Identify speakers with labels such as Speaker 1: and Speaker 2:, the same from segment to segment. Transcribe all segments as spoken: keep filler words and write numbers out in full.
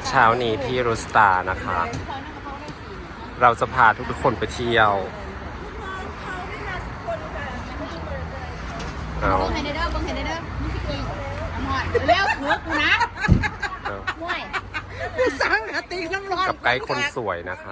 Speaker 1: เช้านี้ที่รูสตาร์นะคะ เราจะพาทุกๆคนไปเที่ยวเอา
Speaker 2: บังเฮเดอร์บังเฮเดอร์นี่คืออีหมดเร็วหัวกูนะมวย
Speaker 3: สั่งอะตีน้ำร้อน
Speaker 1: กับไกด์คนสวยนะคะ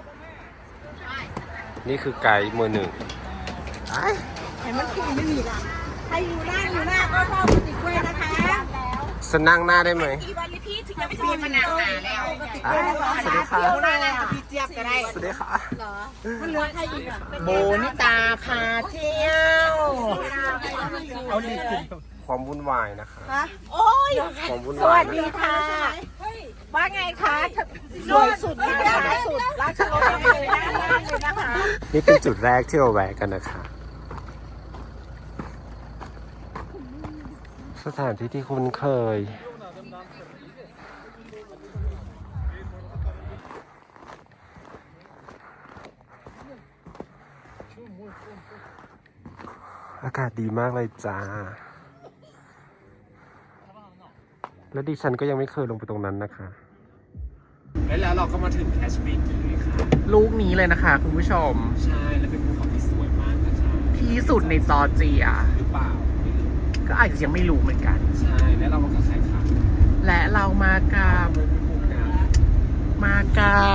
Speaker 1: นี่คือไกด์มือหนึ่ง
Speaker 3: เห็นมันขี่ไม่มีละใครอยู่หน้าอยู่หน้าก็เข้าติดกล้วยนะคะ
Speaker 1: จะนั่งหน้าได้ไหม
Speaker 3: อีวันลิพี่ถึงจะไม่ปีมันหนาแล้วติดกล้วยนะคะ
Speaker 1: สวัสดีค่ะ
Speaker 3: หน้าแล้วพี่เจี๊ยบก็ได้
Speaker 1: สวัสดีค่ะ
Speaker 3: มันเหลือใครอีกอะโบนิตาพาเที่ยว เอาลิขิต
Speaker 1: ความวุ่นวายนะคะ
Speaker 3: โอ้ย
Speaker 1: ความวุ่น
Speaker 3: ส
Speaker 1: วา
Speaker 3: วั
Speaker 1: ย
Speaker 3: สดีค่ะว่าไงคะสวยสุดนะคะสุดราชรสเลยนะคะ
Speaker 1: นี่เป็นจุดแรกที่เราแวะกันนะคะ สถานที่ที่คุ้นเคย อากาศดีมากเลยจ้า และดิฉันก็ยังไม่เคยลงไปตรงนั้นนะคะ แล้วเราก็มาถึงแคชเมกีค่ะ
Speaker 4: ลูกนี้เลยนะคะคุณผู้ชม
Speaker 1: ใช่ แล้วเป็นภูเขาที่สวยมากนะคะ
Speaker 4: ที่สุดในจอร์เจีย
Speaker 1: หรือเปล่าไม่รู้
Speaker 4: ก็อาจจะยังไม่รู้เหมือนกัน
Speaker 1: ใช่ แล้วเรามากับใครคะ
Speaker 4: และเรามากับ
Speaker 1: เป็นภูเขา
Speaker 4: มากับ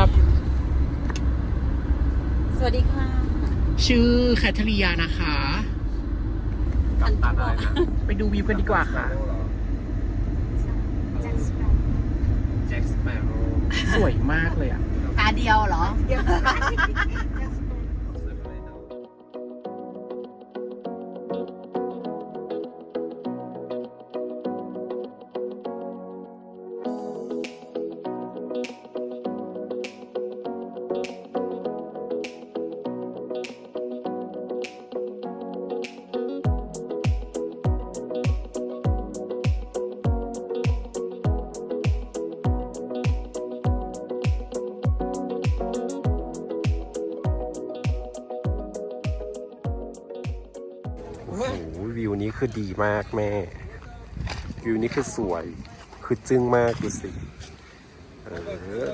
Speaker 2: สวัสดีค่ะ
Speaker 4: ชื่อแคทเธอรียานะคะ
Speaker 1: กับตันอะไรนะ
Speaker 4: ไปดูวิวกันดีกว่าค่ะ
Speaker 1: แจ็คสเปโร่
Speaker 4: สวยมากเลยอ่ะ
Speaker 2: ตาเดียวเหรอ
Speaker 1: โอ้โหวิวนี้คือดีมากแม่ วิวนี้คือสวย คือจึ้งมากดูสิ เออ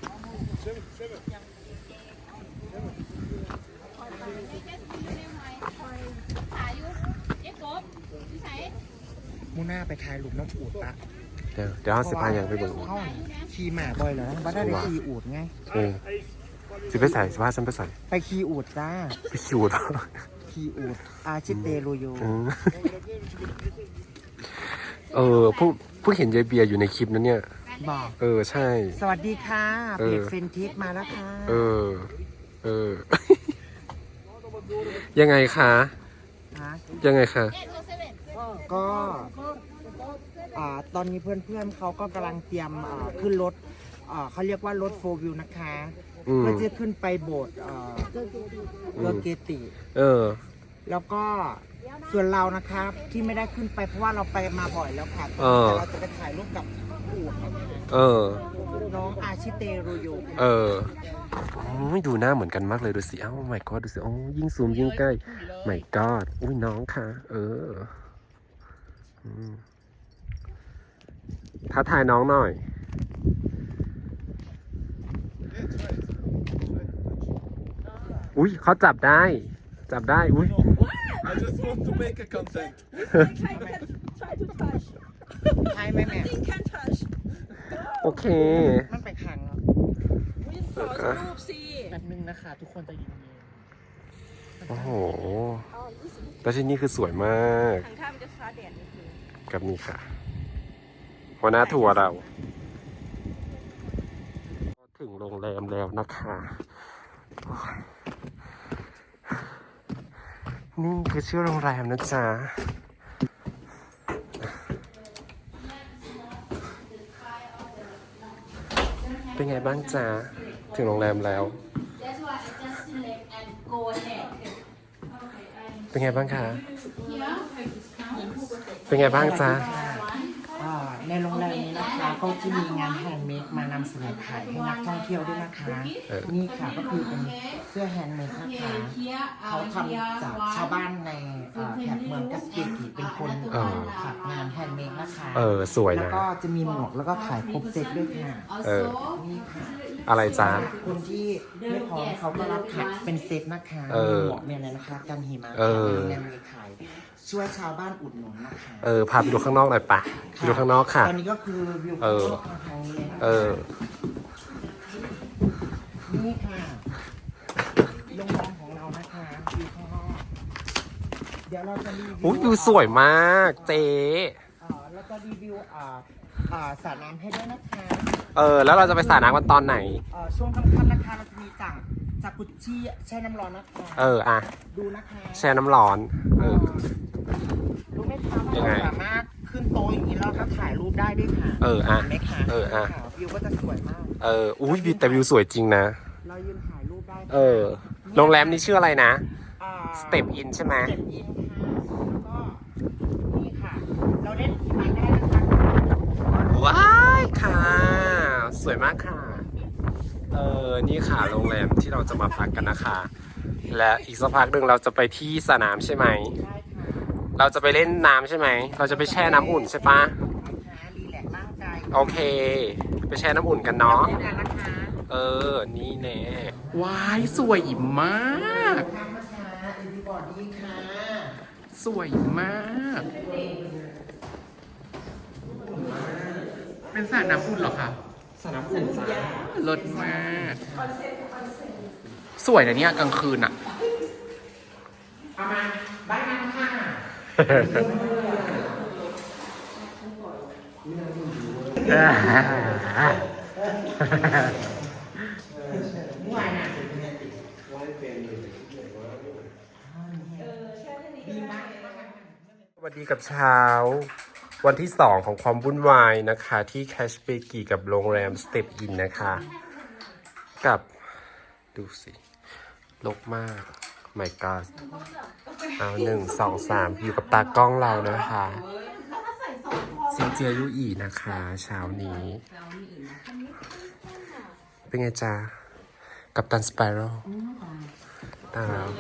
Speaker 4: มูน่าไปถ่ายรูปน้องอูดปะ
Speaker 1: เดี๋ยวเดี๋ยวห้าสิบพันยังไปเบิ่ง
Speaker 4: เข้าขี่หมาบ่อยเหรอบ้านได้ไปขี่อูดไง
Speaker 1: เออสิไปใส่สิพาฉันไปใส่
Speaker 4: ไปขี่อูดจ้า
Speaker 1: ไปคิวต่อ
Speaker 4: ขี่อูดอาชิเตโรโย
Speaker 1: เออเออผู้ผู้เห็นยายเบียร์อยู่ในคลิปนั้นเนี่ย
Speaker 4: บอก
Speaker 1: เออ ใช่
Speaker 4: สวัสดีค่ะ
Speaker 1: เออ
Speaker 4: เพจเฟนทิสมาแล้วค่ะ
Speaker 1: เออ เออ ยังไงคะ
Speaker 4: ฮะ
Speaker 1: ยังไงคะ
Speaker 4: ก็อ่าตอนนี้เพื่อนๆเขาก็กำลังเตรียมอ่าขึ้นรถอ่าเขาเรียกว่ารถโฟวิวนะคะ
Speaker 1: อืม
Speaker 4: เพื่อที่จะขึ้นไปโบสถ์อ่าเรือเกติ
Speaker 1: เออ
Speaker 4: แล้วก็ส่วนเรานะครับที่ไม่ได้ขึ้นไปเพราะว่าเราไปมาบ่อยแล้วค่ะ
Speaker 1: เออ
Speaker 4: แต่เราจะไปถ่ายรูปกับอูดนะคะ
Speaker 1: เออ
Speaker 4: น้องอาชิเตโรโย
Speaker 1: เออโอ้ยดูหน้าเหมือนกันมากเลยดูสิ เอ้าไม่ก็ดูสิโอ้ยิ่งซูมยิ่งใกล้ไม่ก็อุ้ยน้องค่ะ เอออืมท้าทายน้องหน่อย อุ้ยเขาจับได้ จับได้ อุ้ย
Speaker 5: I just want to make a content.
Speaker 3: try to touch
Speaker 4: ใช่ไหมแม่
Speaker 3: you can touch
Speaker 1: โอเค
Speaker 4: มันไปขังแล้ว
Speaker 3: วินขอสักรูปสิ
Speaker 4: แป๊บนึงนะคะ ทุกคนจะยินดี
Speaker 1: โอ้โห แล้วที่นี่คือสวยมาก
Speaker 3: ทางข้ามจะฟ้าแดดนิดนึง
Speaker 1: กับนี่ค่ะหัวหน้าทัวร์เรา ถึงโรงแรมแล้วนะคะโอ้ยนี่คือชื่อโรงแรมนะจ๊ะ เป็นไงบ้างจ๊ะ ถึงโรงแรมแล้ว เป็นไงบ้างคะ เป็นไงบ้างจ๊ะ
Speaker 4: อ่าในโรงแรมนี้นะครับก็จะมีงานแฮนด์เมดมานำเสนอขายให้นักท่องเที่ยวด้วยนะคะ
Speaker 1: เออ
Speaker 4: นี่ค่ะก็คือเป็นเสื้อแฮนด์เมดนะคะเขาทำจากชาวบ้านในเอ่อแถบเมืองกัสเปียกีเป็นคน
Speaker 1: เออ
Speaker 4: ถักงานแฮนด์เมดนะคะ
Speaker 1: เออสวย
Speaker 4: แล้ว
Speaker 1: นะ
Speaker 4: ก็จะมีหมวกแล้วก็ขายครบเซ็ตด้วยค่ะ
Speaker 1: เออ
Speaker 4: นี่ค่ะ
Speaker 1: อะไรจ้า
Speaker 4: คนที่ไม่พร้อมเขาก็รับถักเป็นเซ็ตนะคะ
Speaker 1: เออ
Speaker 4: มีหมวกมีอะไรนะคะกันหิมะ
Speaker 1: เออ
Speaker 4: มีมีขายช่วยชาวบ้านอุดหนุนนะคะ
Speaker 1: เออ พาไปดูข้างนอกหน่อยปะไปดูข้างนอกค่ะ
Speaker 4: ตอนนี้ก็คือวิว
Speaker 1: เออ
Speaker 4: ทางนี้เลยนะ
Speaker 1: เออ
Speaker 4: นี่ค่ะโรงแรมของเรานะคะวิวข้างนอกเดี๋ยวเราจะรีวิว
Speaker 1: อุ้ยดูสวยมากเจ๊
Speaker 4: เอ่อเราจะรีวิวอ่าอ่าสระน้ำให้ด้วยนะคะ
Speaker 1: เออ แล้วเราจะไปสระน้ำกันตอนไหน
Speaker 4: เอ่อช่วงค่ำๆนะคะเราจะมีจากจากกุชชี่แช่น้ำร้อนนะคะ
Speaker 1: เออ อ่ะ
Speaker 4: ดูนะคะ
Speaker 1: แช่น้ำร้อน เออ
Speaker 4: รู้ไหมคะว่า
Speaker 1: ยังไง
Speaker 4: เราสามารถขึ้นโต๊ะอย่างนี้แล้วก็ถ่ายรูปได้ด้วยค่ะ
Speaker 1: เอออ่ะ
Speaker 4: ห็นไหมคะ
Speaker 1: เอออ่ะ
Speaker 4: ค่ะวิวก็จะสวยมาก
Speaker 1: เออ อุ้ยวิวแต่วิวสวยจริงนะ
Speaker 4: เรายืนถ่ายรูปได้ค่ะ
Speaker 1: เออ โรงแรมนี้ชื่ออะไรนะ
Speaker 4: อ่า
Speaker 1: Step In ใช่ไหม
Speaker 4: สเต็ปอินค่ะแล้วก็นี่ค่ะ เราเล่นหิมะได้นะคะ
Speaker 1: ว้ายค่ะ สวยมากค่ะ เออ นี่ค่ะโรงแรมที่เราจะมาพักกันนะคะ และอีกสักพักหนึ่งเราจะไปที่สนามใช่ไหม
Speaker 4: ได้ค่ะ
Speaker 1: เราจะไปเล่นน้ำใช่ไหม เราจะไปแช่น้ำอุ่นใช่ปะ
Speaker 4: นะคะรีแลกซ์ร่างกาย
Speaker 1: โอเค ไปแช่น้ำอุ่นกันเนาะ
Speaker 4: เล่นกันนะคะ
Speaker 1: เออ นี่แน่ว้าย สวยมาก
Speaker 4: ทำนะคะเอ็นดีบอดี้ค่ะ
Speaker 1: สวยมาก เป็นสระน้ำอุ่นเหรอคะ
Speaker 4: สนามอุ่นจ้า
Speaker 1: เลิศมาก สวยนะเนี่ยกลางคืนอ่ะ
Speaker 4: เอามาบ้านนั้นค่ะม่วนอ่ะดีมาก
Speaker 1: สวัสดีกับเช้า วันที่สองของความวุ่นวายนะคะ ที่แคชเบกีกับโรงแรม Step In นะคะ กับดูสิลกมาก my god เอาหนึ่งสองสามอยู่กับตากล้องเรานะคะซินเจียยุอีนะคะ เช้านี้ เป็นไงจ๊ะ กับตันสไปรัลตาเรา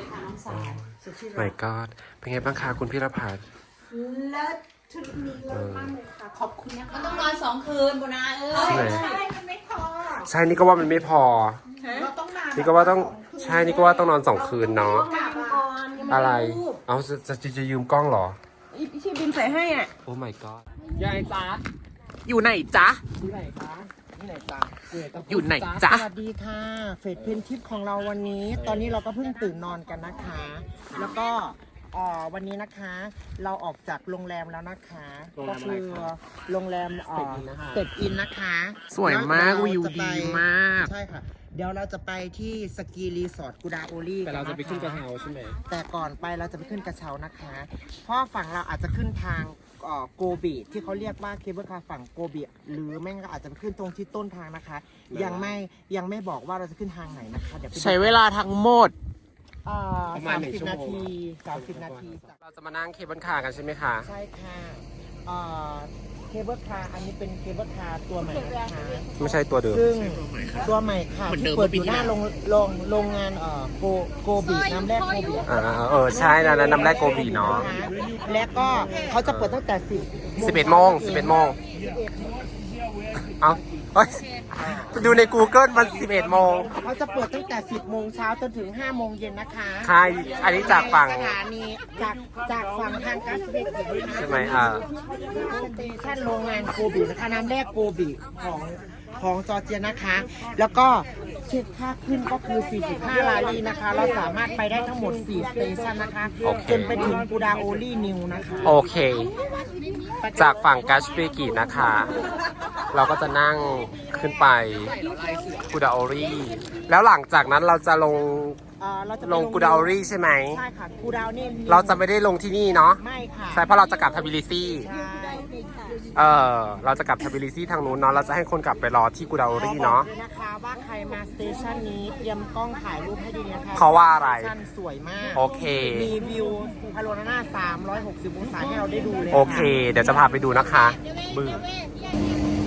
Speaker 1: my god เป็นไงบ้างคะคุณพิรพัฒน์
Speaker 2: เลิศชุดนี้เลิศมากเลยค่ะ ขอบคุณนะคะต้องนอนสองคืนบุนาเอ้ย
Speaker 1: ใช่ไหม
Speaker 2: ใช่มันไม่พอ
Speaker 1: ใช่นี่ก็ว่ามันไม่พอ
Speaker 2: เราต้องนอน
Speaker 1: นี่ก็ว่าต้องใช่นี่ก็ว่าต้องนอนสองคืนเนาะ
Speaker 2: กลับก่อนยังไม่
Speaker 1: อะไร
Speaker 2: รูป
Speaker 1: เอาจะจะจะยืมกล้องเหรอ
Speaker 2: อีพี่ชีบินใส่ให้อ่ะ
Speaker 1: โอ้ my god
Speaker 3: ยายจ๊ะ
Speaker 1: อยู่ไหนจ๊ะ
Speaker 4: ที่ไหนคะที่ไหนจ้า
Speaker 1: อยู่ไหนจ๊ะ
Speaker 4: สวัสดีค่ะ เฟสเพนทิปของเราวันนี้ ตอนนี้เราก็เพิ่งตื่นนอนกันนะคะ แล้วก็เอ่อวันนี้นะคะ เราออกจากโรงแรมแล้วนะคะ ก็คือโรงแรมเอ่อสเต็ปอินนะคะ
Speaker 1: สวยมาก
Speaker 4: แล้
Speaker 1: วิว
Speaker 4: เรจะ
Speaker 1: ดี
Speaker 4: ไป
Speaker 1: มาก
Speaker 4: ใช่ค่ะ เดี๋ยวเราจะไปที่สกีรีสอร์ทกูดาโอลี่
Speaker 3: แต่เราจะไปขึ้นกระเช้าใช่ไหม
Speaker 4: แต่ก่อนไปเราจะไปขึ้นกระเช้านะคะ เพราะฝั่งเราอาจจะขึ้นทางเอ่อโกบีที่เขาเรียกว่าเคเบิลคาร์ฝั่งโกบีหรือแม่งก็อาจจะไปขึ้นตรงที่ต้นทางนะคะ ยังไม่ยังไม่บอกว่าเราจะขึ้นทางไหนนะคะเดี๋ยวไปดู
Speaker 1: ใช้เวลาทั้งหมด
Speaker 4: เอ่อ
Speaker 3: ประมาณ
Speaker 4: สาม
Speaker 3: หนึ่ง
Speaker 4: สิบ
Speaker 3: ชั่วโมง
Speaker 4: นาทีสามสิบนาทีจาก
Speaker 1: เราจะมานั่งเคเบิลคาร์กันใช่ไหมคะ
Speaker 4: ใช่ค่ะเอ่อเคเบิลคาร์อันนี้เป็นเคเบิลคาร์ตัวใหม่นะคะ
Speaker 1: ไม่ใช่ตัวเดิม
Speaker 4: ซึ่งตัวใหม่ค่ะที่เปิดอยู่หน้าโรงโรงโรงงานเอ่อโกโกบีน้ำแร่โกบี
Speaker 1: อ่าเออ ใช่นะน้ำแรกโกบีเนาะ
Speaker 4: และก็เขาจะเปิดตั้งแต่สิบ
Speaker 1: สิบเอ็ดโมงสิบเอ็ดโมง เอาเฮ้ยไปดูใน Google มันสิบเอ็ดโมง
Speaker 4: เขาจะเปิดตั้งแต่สิบโมงเช้าจนถึงห้าโมงเย็นนะคะ
Speaker 1: ใช่อันนี้จากฝั่ง
Speaker 4: สถานีจากจากฝั่งทางกัสเบก
Speaker 1: ใช่ไหมอ่า
Speaker 4: สเตชันโรงงานโกบีนะคะน้ำแร่โกบีของของจอร์เจียนะคะ แล้วก็คิดค่าขึ้นก็คือสี่สิบห้าลาลีนะคะ เราสามารถไปได้ทั้งหมดสี่สเตชันนะคะ
Speaker 1: โอเค
Speaker 4: จนไปถึงกูดาโอลี่นิวนะคะ
Speaker 1: โอเค จากฝั่งกัชเบกินะคะ เราก็จะนั่งขึ้นไปกูดาโอรีแล้วหลังจากนั้นเราจะลง
Speaker 4: เอ่อเราจะไป
Speaker 1: ลงกูดาโอรีใช่ไหม
Speaker 4: ใช่ค่ะกูดาวนี่
Speaker 1: เราจะไม่ได้ลงที่นี่เนาะ
Speaker 4: ไม่ค่ะ
Speaker 1: ใช่เพราะเราจะกลับทบิลิซี
Speaker 4: ใช่
Speaker 1: เออเราจะกลับทบิลิซีทางนู้นเนาะเราจะให้คนกลับไปรอที่กูดาโอรีเนาะ
Speaker 4: ขอบอกเลยนะคะว่าใครมาสเตชันนี้เตรียมกล้องถ่ายรูปให้ดีนะคะ
Speaker 1: เพราะว่าอะไร
Speaker 4: สเตชันสวยมาก
Speaker 1: โอเค
Speaker 4: มีวิวพาโรนาสามร้อยหกสิบองศาให้เราได้ดูเลย
Speaker 1: โอเค เดี๋ยวจะพาไปดูนะคะบึ้ง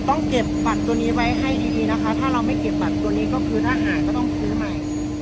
Speaker 4: ต้องเก็บบัตรตัวนี้ไว้ให้ดีๆนะคะ ถ้าเราไม่เก็บบัตรตัวนี้ก็คือถ้าหายก็ต้องซื้อใหม่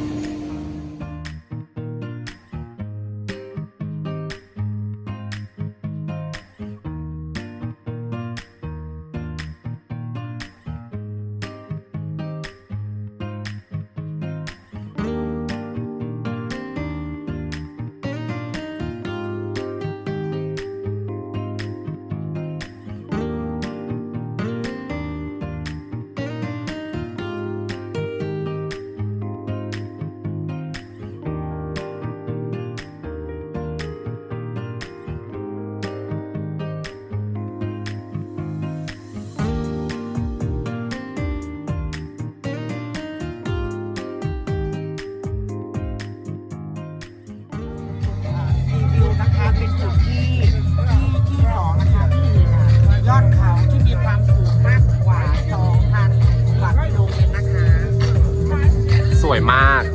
Speaker 4: รีวิวนะคะเป็นจุดที่ที่ที่สองนะคะที่ยอดเขาที่มีความสูงมากกว่า สองพัน กว่ากิโลเมตรนะคะ
Speaker 1: สวยมาก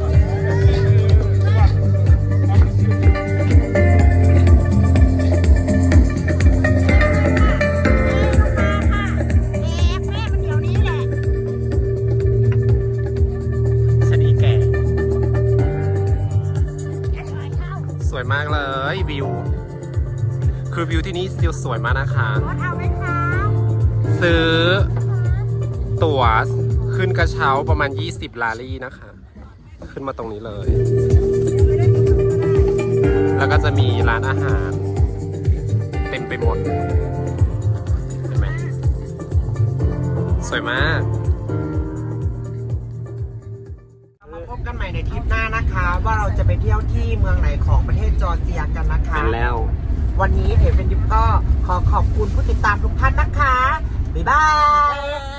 Speaker 1: ชะนีแก่ สวยมากเลยวิว คือวิวที่นี่ซิลสวยมากนะคะ ซื้อ ตั๋วขึ้นกระเช้าประมาณ ยี่สิบ ลารี่นะคะ ขึ้นมาตรงนี้เลย แล้วก็จะมีร้านอาหาร เต็มไปหมด เห็นไหม สวยมาก
Speaker 4: มาพบกันใหม่ในทริปหน้านะคะ ว่าเราจะไปเที่ยวที่เมืองไหนของประเทศจอร์เจียกันนะคะ
Speaker 1: เห็นแล้ว
Speaker 4: วันนี้เพจเป็นยุบก็ขอขอบคุณผู้ติดตามทุกท่านนะคะ บ๊ายบาย